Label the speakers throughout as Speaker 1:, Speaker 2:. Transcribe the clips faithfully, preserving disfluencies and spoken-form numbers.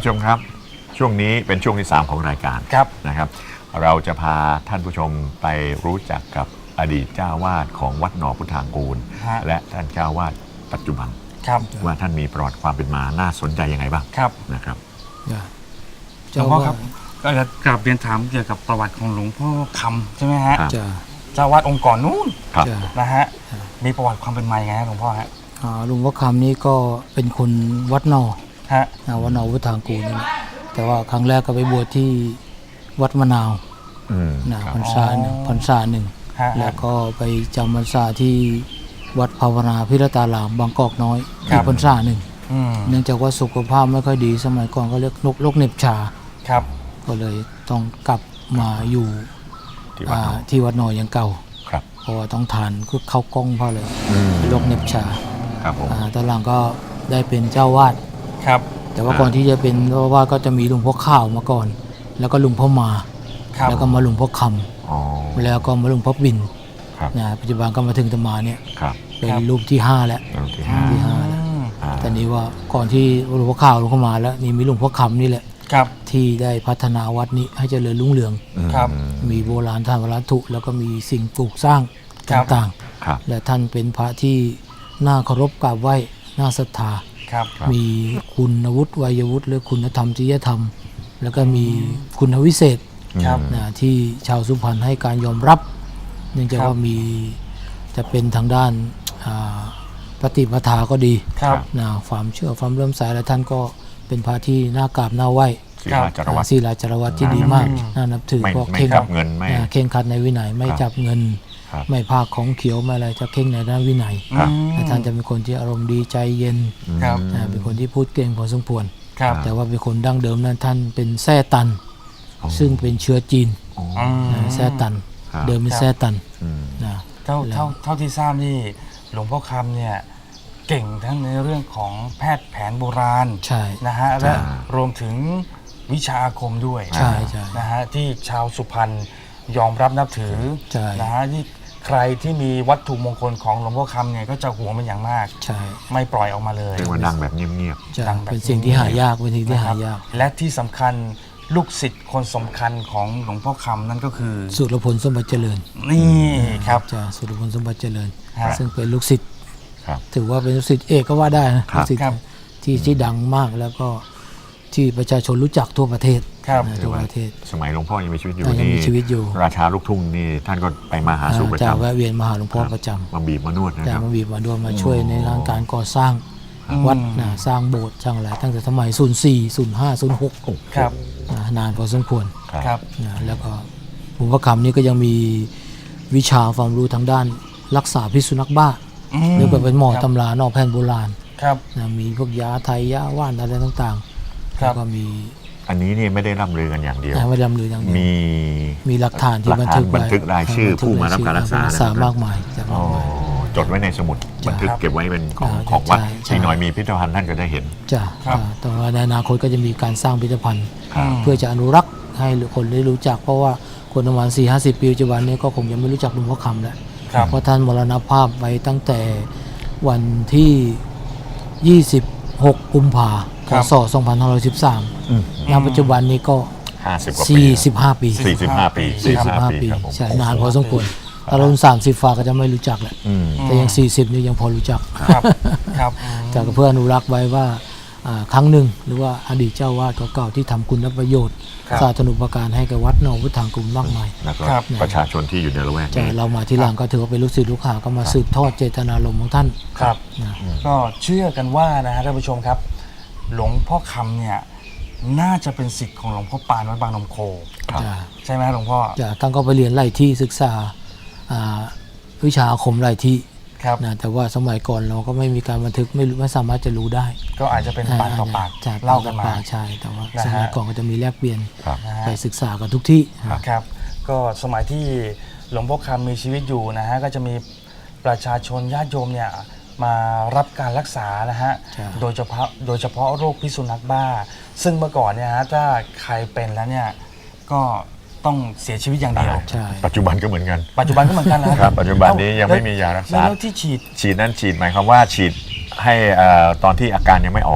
Speaker 1: ผู้ชมครับช่วงนี้เป็นช่วงที่สามของรายการครับนะครับเราจะพาท่านผู้ชมไปรู้จักกับอดีตเจ้าวาดของวัดหนอพุทธางกูลและท่านเจ้าวาดปัจจุบันว่าท่านมีประวัติความเป็นมาน่าสนใจยังไงบ้างครับนะครับ
Speaker 2: หลวงพ่อครับก็จะกราบเรียนถามเกี่ยวกับประวัติของหลวงพ่อคำใช่ไหมฮะเจ้าวาดองค์ก่อนนู้นนะฮะมีประวัติความเป็นมาอย่างไงฮะหลวงพ่อฮะ
Speaker 3: หลวงพ่อคำนี้ก็เป็นคนวัดนอฮะวัดนอพุทธางกูลนี่แต่ว่าครั้งแรกก็ไปบวชที่วัดมะนาวนะพรรษาหนึ่งพรรษาหนึ่งแล้วก็ไปจำพรรษาที่วัดภาวนาพิรตารามบางกอกน้อยที่พรรษาหนึ่งเนื่องจากว่าสุขภาพไม่ค่อยดีสมัยก่อนก็เรียกโรคเหน็บชาก็เลยต้องกลับมาอยู่ที่วัดนออย่างเก่าเพราะว่าต้องทานก็เข้ากล้องเพราะเลยโรคเหน็บชาตอนหลังก็ได้เป็นเจ้าวาดแต่ว่าก่อนที่จะเป็นเจ้าวาดก็จะมีหลวงพ่อข้าวมาก่อนแล้วก็หลวงพ่อมาแล้วก็มาหลวงพ่อคำแล้วก็มาหลวงพ่อบินนะปัจจุบันก็มาถึงตมาเนี่ยเป็นรูปที่ห้าแล้วที่ห้าแล้วแต่นี้ว่าก่อนที่หลวงพ่อข้าวหลวงพ่อมาแล้วนี่มีหลวงพ่อคำนี่แหละที่ได้พัฒนาวัดนี้ให้เจริญรุ่งเรืองมีโบราณท่านวัตถุแล้วก็มีสิ่งปลูกสร้างต่างๆและท่านเป็นพระที่น่าเคารพกราบไหว้น่าศรัทธามีคุณวุฒิวัยวุฒิหรือคุณธรรมจริยธรรมแล้วก็มีคุณวิเศษนะที่ชาวสุพรรณให้การยอมรับเนื่องจากว่ามีจะเป็นทางด้านปฏิปทาก็ดีนะความเชื่อความเริ่มสายและท่านก็เป็นพระที่น่ากราบน่าไหว้ศีลาจารวัตรศีลาจารวัตรที่ดีมากน่านับถือเพราะเข่งเงินไม่เข่งขัดในวินัยไม่จับเงินไม่ภาคของเขียวไม่อะไรจะเข่งในด้านวินัยและท่านจะเป็นคนที่อารมณ์ดีใจเย็นเป็นคนที่พูดเก่งพอสมควรแต่ว่าเป็นคนดั้งเดิมนั้นท่านเป็นแซ่ตันซึ่งเป็นเชื้อจีนแซ่ตันเดิมเป็นแซ่ตันนะ
Speaker 2: เท่าเท่าเท่าที่ทราบนี่หลวงพ่อคำเนี่ยเก่งทั้งในเรื่องของแพทย์แผนโบราณนะฮะและรวมถึงวิชาอาคมด้วยนะฮะที่ชาวสุพรรณยอมรับนับถือนะฮะที่ใครที่มีวัตถุมงคลของหลวงพ่อคำเนี่ยก็จะหวงเป็นอย่างมากไม่ปล่อยออกมาเลย
Speaker 1: เรียกว่าดังแบบเงียบ
Speaker 3: ๆเป็นสิ่งที่หายากเป็นสิ่งที่หายาก
Speaker 2: และที่สำคัญลูกศิษย์คนสำคัญของหลวงพ่อคำนั่นก็คือ
Speaker 3: สุรพลสมบัติเจริญ
Speaker 2: นี่ครับ
Speaker 3: จ้าสุรพลสมบัติเจริญซึ่งเป็นลูกศิษย์ถือว่าเป็นลูกศิษย์เอกก็ว่าได้นะลูกศิษย์ที่ที่ดังมากแล้วก็ที่ประชาชนรู้จักทั่วประเทศทั่วประเทศ
Speaker 1: สมัยหลวงพ่อยังมีชีวิตอยู่
Speaker 3: นี่มีชีวิตอยู่
Speaker 1: ราชาลูกทุ่งนี่ท่านก็ไปมาหาสู่ประจำ
Speaker 3: แวะเวียนมาหาหลวงพ่อประจำ
Speaker 1: มาบีบมานวดนะครับ
Speaker 3: มาบีบมานวดมาช่วยในเรื่องการก่อสร้างวัดนะสร้างโบสถ์สร้างอะไรตั้งแต่สมัยศูนย์สี่ ศูนย์ห้า ศูนย์หก
Speaker 2: ครับ
Speaker 3: นานพอสมควร
Speaker 2: ครับ
Speaker 3: นะแล้วก็หลวงพ่อคำนี่ก็ยังมีวิชาความรู้ทางด้านรักษาพิษสุนัขบ้าหรือเป็นหมอตำรานอกแผนโบราณนะมีพวกยาไทยยาว่านอะไรต่างๆแล้วก็มี
Speaker 1: อันนี้นี่ไม่ได้ร่ำลือกันอย่างเดียว
Speaker 3: ไม่ร่ำลืออย่างเดียว
Speaker 1: มี
Speaker 3: มีหลักฐานที่บันทึก
Speaker 1: บันทึกรายชื่อผู้มารับการรักษ
Speaker 3: ามากมาย
Speaker 1: จดไว้ในสมุดบันทึกเก็บไว้เป็นของของวัดที่หน่อยมีพิพิธภัณฑ์ท่านก็ได้เห็น
Speaker 3: จ้ะต่อมาในอนาคตก็จะมีการสร้างพิพิธภัณฑ์เพื่อจะอนุรักษ์ให้คนได้รู้จักเพราะว่าคนประมาณ สี่ห้าสิบ ปีปัจจุบันนี้ก็คงยังไม่รู้จักหลวงพ่อคำแล้วเพราะท่านมรณภาพไปตั้งแต่วันที่ยี่สิบหกกุมภาพันธ์พ.ศ. สองพันห้าร้อยสิบสามณปัจจุบันนี้ก็สี่สิบห้าปี
Speaker 1: สี่สิบห้าปี
Speaker 3: สี่สิบห้าปีใช่นานพอสมควรถ้ารุ่นสามสิบฟ้าก็จะไม่รู้จักแหละแต่ยังสี่สิบนี่ยังพอรู้จัก
Speaker 2: ครับ
Speaker 3: แต่เพื่ออนุรักษ์ไว้ว่าครั้งหนึ่งหรือว่าอดีตเจ้าวาดเก่าๆที่ทำคุณประโยชน์สาธารณูปการให้กับวัดหนองพุทธางกูลมากมาย
Speaker 1: ประชาชนที่อยู่ในละแวกนี้
Speaker 3: เรามาที่หลังก็ถือว่าเป็นลูกศิษย์ลูกหาก็มาสืบทอดเจตนารมณ์ของท่าน
Speaker 2: ครับก็เชื่อกันว่านะฮะท่านผู้ชมครับหลวงพ่อคำเนี่ยน่าจะเป็นศิษย์ของหลวงพ่อปานวัดบางนมโคใช่ไหมหลวงพ่อ
Speaker 3: จ้ะท่านก็ไปเรียนไล่ที่ศึกษาวิชาอาคมไล่ที่นะแต่ว่าสมัยก่อนเราก็ไม่มีการบันทึกไม่ไม่สามารถจะรู้ได้
Speaker 2: ก็อาจจะเป็นปากต่อปากเล่ากันมา
Speaker 3: ใช่แต่ว่าสมัยก่อนก็จะมีแลกเปลี่ยนไปศึกษากันทุกที่
Speaker 2: ครับก็สมัยที่หลวงพ่อคำมีชีวิตอยู่นะฮะก็จะมีประชาชนญาติโยมเนี่ยมารับการรักษานะฮะโดยเฉพาะโดยเฉพาะโรคพิษสุนัขบ้าซึ่งเมื่อก่อนเนี่ยฮะถ้าใครเป็นแล้วเนี่ยก็ต้องเสียชีวิตอย่างเดียว
Speaker 1: ปัจจุบันก็เหมือนกัน
Speaker 2: ปัจจุบันก็เหมือนกันนะครับ
Speaker 1: ปัจจุบันนี้ยังไม่มียารักษา
Speaker 2: แล้วที่ฉีด
Speaker 1: ฉีดนั้นฉีดหมายความว่าฉีดให้ตอนที่อาการยังไม่ออก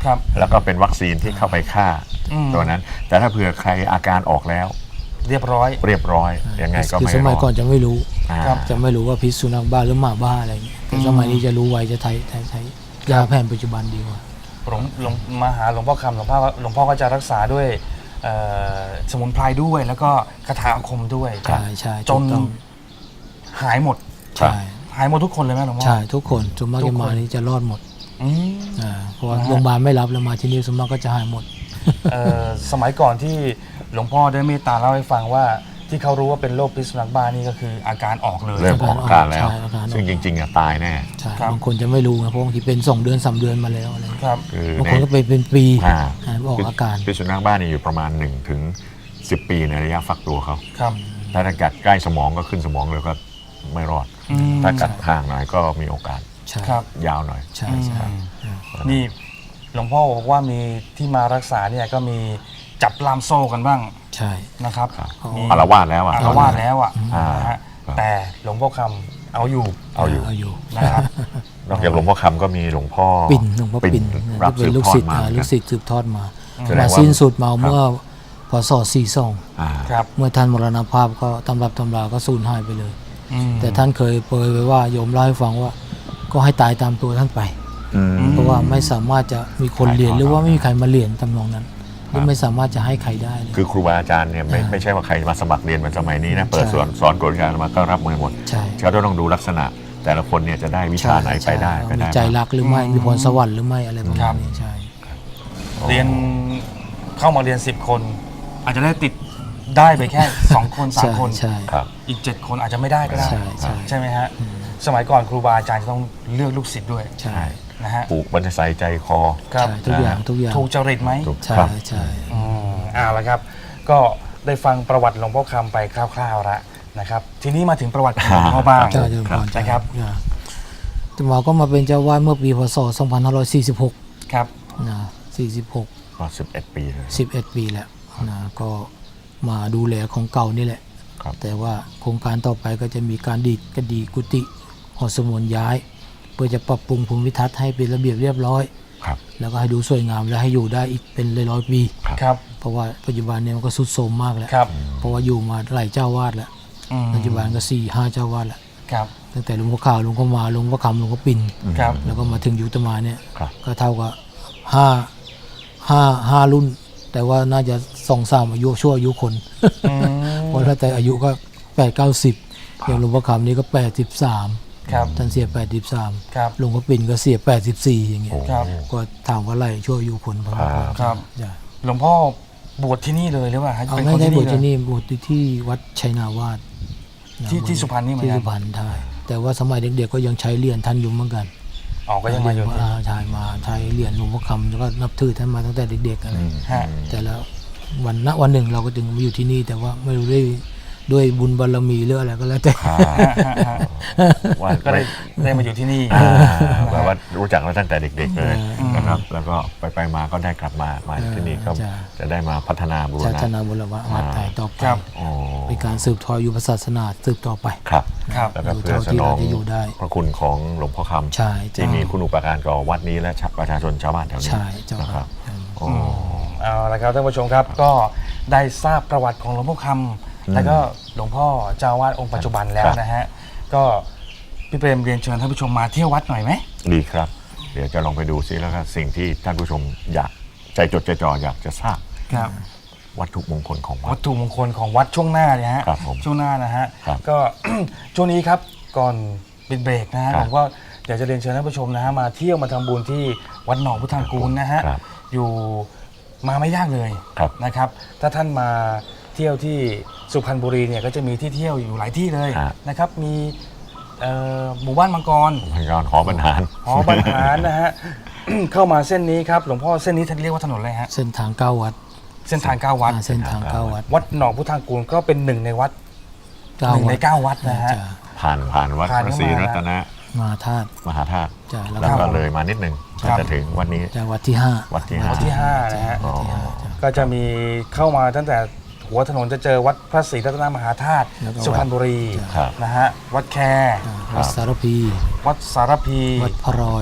Speaker 2: ครับ
Speaker 1: แล้วก็เป็นวัคซีนที่เข้าไปฆ่า
Speaker 2: อืม
Speaker 1: ตัวนั้น แต่ถ้าเผื่อใครอาการออกแล้ว
Speaker 2: เรียบร้อย
Speaker 1: เรียบร้อยยังไงก็
Speaker 3: คือ
Speaker 1: ไม่
Speaker 3: ส
Speaker 1: ร
Speaker 3: มัย
Speaker 1: อ
Speaker 3: ก่อน
Speaker 1: ด
Speaker 3: จะไม่รู้
Speaker 1: อ่า
Speaker 2: ครับ
Speaker 3: จะไม่รู้ว่าพิษสุนัขบ้าหรือหมาบ้าอะไรอย่างเงี้ยแต่สมัยนี้จะรู้ไวจะใช้ใช้ใช้ยาแผนปัจจุบันดีกว่า
Speaker 2: หลวงหลวงมาหาหลวงพ่อคำหลวงพ่อหลวงพ่อก็จะรักษาด้วยเอ่อสมุนไพรด้วย แล้วก็คาถาอาคมด้วย
Speaker 3: ใช่ใช่
Speaker 2: จน
Speaker 3: ถูกต้อง
Speaker 2: หายหมด
Speaker 3: ใช่
Speaker 2: หายหมดทุกคนเลยไหมหลวงพ่อ
Speaker 3: ใช่ทุกคนสมมาก
Speaker 2: ทุ
Speaker 3: จะ
Speaker 2: กคน
Speaker 3: มานี้จะรอดหมด
Speaker 2: อืม
Speaker 3: อ่าเพราะว่า
Speaker 2: นะฮะ
Speaker 3: โรงพยาบาลไม่รับแล้วมาที่นี่สมมากก็จะหายหมด
Speaker 2: เอ่อสมัยก่อนที่หลวงพ่อได้เมตตาเล่าให้ฟังว่าที่เขารู้ว่าเป็นโรคพิษสุนัขบ้านี่ก็คืออาการออกเลย
Speaker 1: เริ่มออกอาการแล้ว
Speaker 3: ใช่อาการออก
Speaker 1: ซึ่งจริงๆอะตายแน่
Speaker 3: ใช่
Speaker 2: ครับ
Speaker 3: บางคนจะไม่รู้นะเพราะบางทีเป็นสองเดือนสามเดือนมาแล้วอะไรอย่างเงี้ย
Speaker 2: ครับ
Speaker 1: คือบ
Speaker 3: างคนก็เป็นเป็นปี
Speaker 1: อ่า
Speaker 3: อ่าออกอาการ
Speaker 1: พิษสุนัขบ้านี่อยู่ประมาณหนึ่งถึงสิบปีในระยะฟักตัวเขา
Speaker 2: ครับ
Speaker 1: ถ้ากัดใกล้สมองก็ขึ้นสมองเลยก็ไม่รอด
Speaker 2: อืม
Speaker 1: ถ้ากัดห่างหน่อยก็มีโอกาส
Speaker 3: ใช่
Speaker 2: ครับ
Speaker 1: ยาวหน่อย
Speaker 3: ใช่ใช่
Speaker 2: อืมนี่หลวงพ่อบอกว่ามีที่มารักษาเนี่ยก็มีจับล่ามโซ่กันบ้าง
Speaker 3: ใช่
Speaker 2: นะครับ
Speaker 1: ครับ
Speaker 2: มี
Speaker 1: อารวาสแล้วอ่ะ
Speaker 2: อารวาสแล้วอ่ะ
Speaker 1: อ่า
Speaker 2: นะฮะ
Speaker 1: ครับ
Speaker 2: แต่หลวงพ่อคำเอาอยู่
Speaker 1: เอาอยู่
Speaker 3: เอาอยู่
Speaker 2: นะครับ
Speaker 1: นอกจากหลวงพ่อคำก็มีหลวงพ่อ
Speaker 3: ปิ่นหลวงพ่อปิ่น
Speaker 1: รับ
Speaker 3: เป็
Speaker 1: สื
Speaker 3: น
Speaker 1: บ
Speaker 3: ลูก
Speaker 1: ทอ
Speaker 3: ศิ
Speaker 1: ด
Speaker 3: ษย์
Speaker 1: มา
Speaker 3: อ่าลูกศิษย์สืบทอดมา
Speaker 1: แสดง
Speaker 3: มา
Speaker 1: ว่า
Speaker 3: สิ้นสุดมาเมื่อพศสี่สอง
Speaker 1: อ่า
Speaker 2: ครับ
Speaker 3: เมื่อท่านมรณภาพก็ตำรับตำราก็สูญหายไปเลย
Speaker 2: อืม
Speaker 3: แต่ท่านเคยเปรยไว้ว่าโยมเล่าให้ฟังว่า ก็ให้ตายตามตัวท่านไป
Speaker 1: อืม
Speaker 3: เพราะว่าไม่สามารถจะมีคนเรียนหรือว่าไม่มีใครมาเรียนตำนองนั้นหรือไม่สามารถจะให้ใครได้เลย
Speaker 1: คือครูบาอาจารย์เนี่ยไม่
Speaker 3: อ่า
Speaker 1: ไม่ใช่ว่าใครมาสมัครเรียนเหมือนสมัยนี้นะเปิด
Speaker 3: ใช่
Speaker 1: สอนสอนกฎการมาก็รับมือหมด
Speaker 3: ใช่
Speaker 1: เขาต้องดูลักษณะ แต่ละคนเนี่ยจะได้วิชาไหนไปได้ไป
Speaker 3: มี
Speaker 1: ได้
Speaker 3: ใจ
Speaker 1: บ้าง
Speaker 3: รักหรือไม่
Speaker 2: อืม
Speaker 3: มีพรสวรรค์หรือไม่อะไรประ
Speaker 2: ครั
Speaker 3: มาณ
Speaker 2: บ
Speaker 3: นี้ใช่
Speaker 2: เรียนเข้ามาเรียนสิบคน อาจจะได้ติดได้ไปแค่ สองคนสาม
Speaker 3: ใช่
Speaker 2: คน
Speaker 3: ใช่
Speaker 1: ครับ
Speaker 2: อีกเจ็ดคนอาจจะไม่ได้ก็ได้
Speaker 3: ใช่ใช่
Speaker 2: ใช่ไหมฮะสมัยก่อนครูบาอาจารย์จะต้องเลือกลูกศิษย์ด้วย
Speaker 3: ใช่
Speaker 2: นะฮะ
Speaker 1: ปลูกบรรทัยใจคอ
Speaker 2: ครับ
Speaker 3: ใช่ทุกอย่างทุกอย่าง
Speaker 2: ถูกจริตไหม
Speaker 1: ถูก
Speaker 3: ใช่
Speaker 1: ครับ
Speaker 3: ใช่
Speaker 2: อืมเอ่าละครับ ก็ได้ฟังประวัติหลวงพ่อคำไปคร่าวๆแล้วนะครับ ทีนี้มาถึงประวัติของหลวงพ่อบ้าง
Speaker 3: เจ้าเจริญพร
Speaker 2: นะครับ
Speaker 3: จ้ะแต่หมอก็มาเป็นเจ้าวาดเมื่อปีพศสองพันห้าร้อยสี่สิบหก
Speaker 2: ครับ
Speaker 3: นะสี่สิบหก
Speaker 1: ก็สิบเอ็ดปีเลย
Speaker 3: สิบเอ็ดปีแล้วนะก็มาดูแลของเก่านี่แหละ
Speaker 1: ครับ
Speaker 3: แต่ว่าโครงการต่อไปก็จะมีการดีดกระดีกุฏิหอสมุนย้าย เพื่อจะปรับปรุงภูมิทัศน์ให้เป็นระเบียบเรียบร้อย
Speaker 1: ครับ
Speaker 3: แล้วก็ให้ดูสวยงามและให้อยู่ได้อีกเป็นร้อยๆปี
Speaker 2: ครับ
Speaker 3: เพราะว่าปัจจุบันเนี่ยมันก็สุดโทรมมากแล้ว
Speaker 2: ครับ
Speaker 3: เพราะว่าอยู่มาหลายเจ้าวาดแล้ว
Speaker 2: อืม
Speaker 3: ปัจจุบันก็สี่ห้าเจ้าวาดแล้ว
Speaker 2: ครับ
Speaker 3: ตั้งแต่หลวงพ่อขาวหลวงพ่อมาหลวงพ่อคำหลวงพ่อปิ่น
Speaker 2: ครับ
Speaker 3: แล้วก็มาถึงยุตมาเนี่ย
Speaker 1: ครับ
Speaker 3: ก็เท่ากับห้าห้าห้ารุ่น แต่ว่าน่าจะสองสามอายุชั่วอายุคน
Speaker 2: อืม
Speaker 3: เพราะถ้าแต่อายุก็แปดเก้าสิบอย่างหลวงพ่อคำนี่ก็แปดสิบสาม
Speaker 2: ครับ
Speaker 3: ท่านเสียแปดสิบสาม
Speaker 2: ครับ
Speaker 3: หลวงพ่อปิ่นก็เสียแปดสิบสี่อย่างเงี้ย
Speaker 1: โอ้
Speaker 2: ครับ
Speaker 3: ก็ถามว่าไรชั่วอายุคนประมาณ
Speaker 1: ครับ
Speaker 2: ครับ
Speaker 3: จ้ะ
Speaker 2: หลวงพ่อบวชที่นี่เลยหรือเปล่าฮะ
Speaker 3: เอา
Speaker 2: เป็น
Speaker 3: ไม่
Speaker 2: คน
Speaker 3: ได้
Speaker 2: ที่
Speaker 3: บว
Speaker 2: นี่
Speaker 3: ช
Speaker 2: เล
Speaker 3: ที่
Speaker 2: ย
Speaker 3: นี่บวชที่วัดชัยนาวาสนะ
Speaker 2: ที่ที่สุพรรณนี่เหมือนกัน
Speaker 3: ที่สุพรรณใช่แต่ว่าสมัยเด็กๆก็ยังใช้เหรียญท่านอยู่เหมือนกัน
Speaker 2: อ๋อก็ยังมาอยู่ที่
Speaker 3: อ่ใช่มาใช้เหรียญหลวงพ่อคำแล้วก็นับถือท่านมาตั้งแต่เด็กๆอะไร
Speaker 1: อืม
Speaker 2: ฮะ
Speaker 3: แต่แล้ววันณวันหนึ่งเราก็จึงมาอยู่ที่นี่ แต่ว่าไม่รู้ได้ด้วยบุญบารมีหรืออะไรก็แล้วแต่
Speaker 1: ครับว่า
Speaker 2: ก็ได้ได้มาอยู่ที่นี่
Speaker 1: อ่าแบบว่ารู้จักมาตั้งแต่เด็กๆเลย
Speaker 2: อืม
Speaker 1: นะครับ แล้วก็ไปไปๆมาก็ได้กลับมามาที่นี่ก็
Speaker 3: จ้ะ
Speaker 1: จะได้มาพัฒนาบูร
Speaker 3: ชา
Speaker 1: ณะ
Speaker 3: ตินาบุรวะวัดไทยต่อไป
Speaker 2: ครับ
Speaker 1: โอ้
Speaker 3: เป็นการสืบทอดอยู่ศาสนาสืบต่อไป
Speaker 1: ครับ
Speaker 2: ครับ
Speaker 1: แล้วก็เพื่อสนอง
Speaker 3: ที่เราจะอยู่ได้
Speaker 1: พระคุณของหลวงพ่อคำ
Speaker 3: ใช่ใช่
Speaker 1: ที่มีคุณอุปการต่อวัดนี้และประชาชนชาวบ้านแถวนี้
Speaker 3: ใช่เจ้า
Speaker 1: นะค
Speaker 3: ค
Speaker 1: รั
Speaker 3: รั
Speaker 1: บบ โอ้
Speaker 2: เอาละครับท่านผู้ชมครับก็ได้ทราบประวัติของหลวงพ่อคำแล้วก็หลวงพ่อเจ้าอาวาสองค์ปัจจุบันแล้วนะฮะก็พี่เปรมเรียนเชิญท่านผู้ชมมาเที่ยววัดหน่อยไหม
Speaker 1: ดีครับ เดี๋ยวจะลองไปดูซิแล้วก็สิ่งที่ท่านผู้ชมอยากใจจดใจจ่ออยากจะทราบ
Speaker 2: ครับ
Speaker 1: วัตถุมงคลของวั
Speaker 2: วั
Speaker 1: ด
Speaker 2: ตถุมงคลของวัดช่วงหน้าเนี่ยฮะ
Speaker 1: ครับผม
Speaker 2: ช่วงหน้านะฮะ
Speaker 1: ครับ
Speaker 2: ก็ ช่วงนี้ครับก่อนปิดเบรกนะฮะ
Speaker 1: ครั
Speaker 2: ผ
Speaker 1: บ
Speaker 2: มก็อยากจะเรียนเชิญท่านผู้ชมนะฮะมาเที่ยวมาทำบุญที่วัดหนองพุทธากูลนะฮะ
Speaker 1: ครับ
Speaker 2: อยู่มาไม่ยากเลย
Speaker 1: ครับ
Speaker 2: นะครับ ถ้าท่านมาเที่ยวที่สุพรรณบุรีเนี่ยก็จะมีที่เที่ยวอยู่หลายที่เลย
Speaker 1: ฮะ
Speaker 2: นะครับมีเอ่อหมู่บ้านมังกร
Speaker 1: พยานหอบรรหาร
Speaker 2: หอบรรหารนะฮะ เข้ามาเส้นนี้ครับหลวงพ่อเส้นนี้ท่านเรียกว่าถนนอะไรฮะ
Speaker 3: เส้นทางเก้าวัด
Speaker 2: เส้นทางเก้าวัด
Speaker 3: อ่าเส้นทางเก้าวัด
Speaker 2: วัดหนองพุทธากูลก็เป็นหนึ่งในวัด
Speaker 3: เก้า
Speaker 2: หนึ่ง
Speaker 3: วั
Speaker 2: ใน
Speaker 3: ด
Speaker 2: เก้าวัดนะฮะ
Speaker 3: จ้
Speaker 1: ผ่านผ่านวัด
Speaker 2: ผ่าน
Speaker 1: พระ
Speaker 2: เข้า
Speaker 1: ศรี
Speaker 2: มา
Speaker 1: รัตนะ
Speaker 3: มาธาตุ
Speaker 1: มหาธาตุ
Speaker 3: จ้ะแล้ว
Speaker 1: แล้ว
Speaker 3: ก็
Speaker 1: ก็เลยมานิดนึง
Speaker 2: ครับ
Speaker 1: จะถึงวันนี้
Speaker 3: จะวัดที่ห้า
Speaker 1: วัดที่ห้า
Speaker 2: วัดที่ห้านะฮะ
Speaker 1: อ๋อ
Speaker 2: ก็จะมีเข้ามาตั้งแต่หัวถนนจะเจอวัดพระศรีรัตนมหาธาตุ
Speaker 3: แล้วก็
Speaker 2: สุพรรณบุรี
Speaker 1: ครับ
Speaker 2: นะฮะวัดแค
Speaker 3: อ่าวัดสารพี
Speaker 2: วัดสารพี
Speaker 3: วัดพระรอย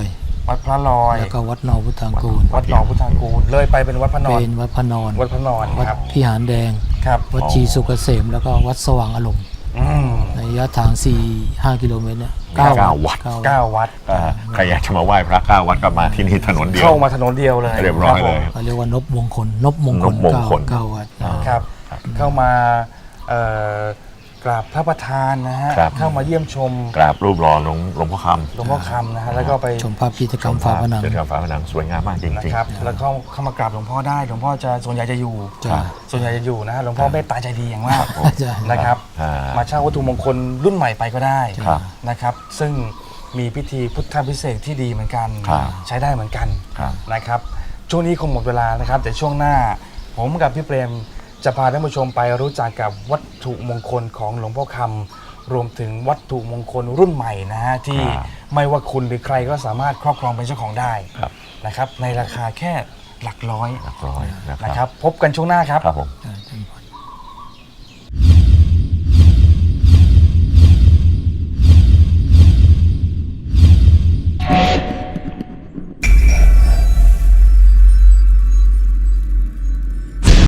Speaker 2: วัดพระลอย
Speaker 3: แล้วก็วัดหนอพุทธางกูล
Speaker 2: วัดหนองพุทธางกูลเลยไปเป็นวัดพระนอน
Speaker 3: เป็นวัดพระนอน
Speaker 2: วัดพระนอน
Speaker 3: วัด
Speaker 2: ครับ
Speaker 3: พิหารแดง
Speaker 2: ครับ
Speaker 3: วัดชีสุกเกษมแล้วก็วัดสว่างอารมณ์
Speaker 2: อืม
Speaker 3: ในระยะทาง สี่ห้า กิโลเมตรเนี่ย
Speaker 1: เก้าวัด
Speaker 3: เก้าวัด
Speaker 2: เก้าวัด
Speaker 1: อ่าใครอยากจะมาไหว้พระเก้าวัดก็มาที่นี่ถนนเดียว
Speaker 2: เข้ามาถนนเดียวเลย
Speaker 1: เรียบร้อยเลย
Speaker 3: เขาเรียกว่านบมงคล นบมงคล
Speaker 1: นบมงคล
Speaker 3: เก้าเก้าวัด
Speaker 2: ครับครับ เข้ามาเอ่อกราบพระประธานนะฮะ
Speaker 1: ครับ
Speaker 2: เข้ามาเยี่ยมชม
Speaker 1: กราบรูปหล่อหลวงหลวงพ่อค
Speaker 2: หลวงพ่อคำนะฮะแล้วก็ไป
Speaker 3: ชมภาพพิธีกรรม
Speaker 1: ำ
Speaker 3: ฝาผนัง
Speaker 1: เจดีย์ฝาผนังสวยงามมากจริง
Speaker 2: นะ
Speaker 1: ๆ
Speaker 2: ครับแล้วก็เข้ามากราบหลวงพ่อได้หลวงพ่อจะส่วนใหญ่จะอยู่
Speaker 3: จ้ะ
Speaker 2: ส่วนใหญ่จะอยู่นะฮะหลวงพ่อเมตตาใจดีอย่างมาก
Speaker 3: จ้ะ
Speaker 2: นะครับ
Speaker 1: อ่า
Speaker 2: มาเช่าวัตถุมงคลรุ่นใหม่ไปก็ได้
Speaker 1: ครับ
Speaker 2: นะครับ ซึ่งมีพิธีพุทธพิเศษกที่ดีเหมือนกัน
Speaker 1: ครับ
Speaker 2: ใช้ได้เหมือนกัน
Speaker 1: ครับ
Speaker 2: นะครับ ช่วงนี้คงหมดเวลานะครับแต่ช่วงหน้าผมกับพี่เปรมจะพาท่านผู้ชมไปรู้จักกับวัตถุมงคลของหลวงพ่อคำรวมถึงวัตถุมงคลรุ่นใหม่นะฮะที่
Speaker 1: ครับ
Speaker 2: ไม่ว่าคุณหรือใครก็สามารถครอบครองเป็นเจ้าของได้
Speaker 1: ครับ
Speaker 2: นะครับในราคาแค่หลักร้อย
Speaker 1: หลักร้อยนะค
Speaker 2: นะค
Speaker 1: รั
Speaker 2: รับ บพบกันช่วงหน้าครับ
Speaker 1: ครับผม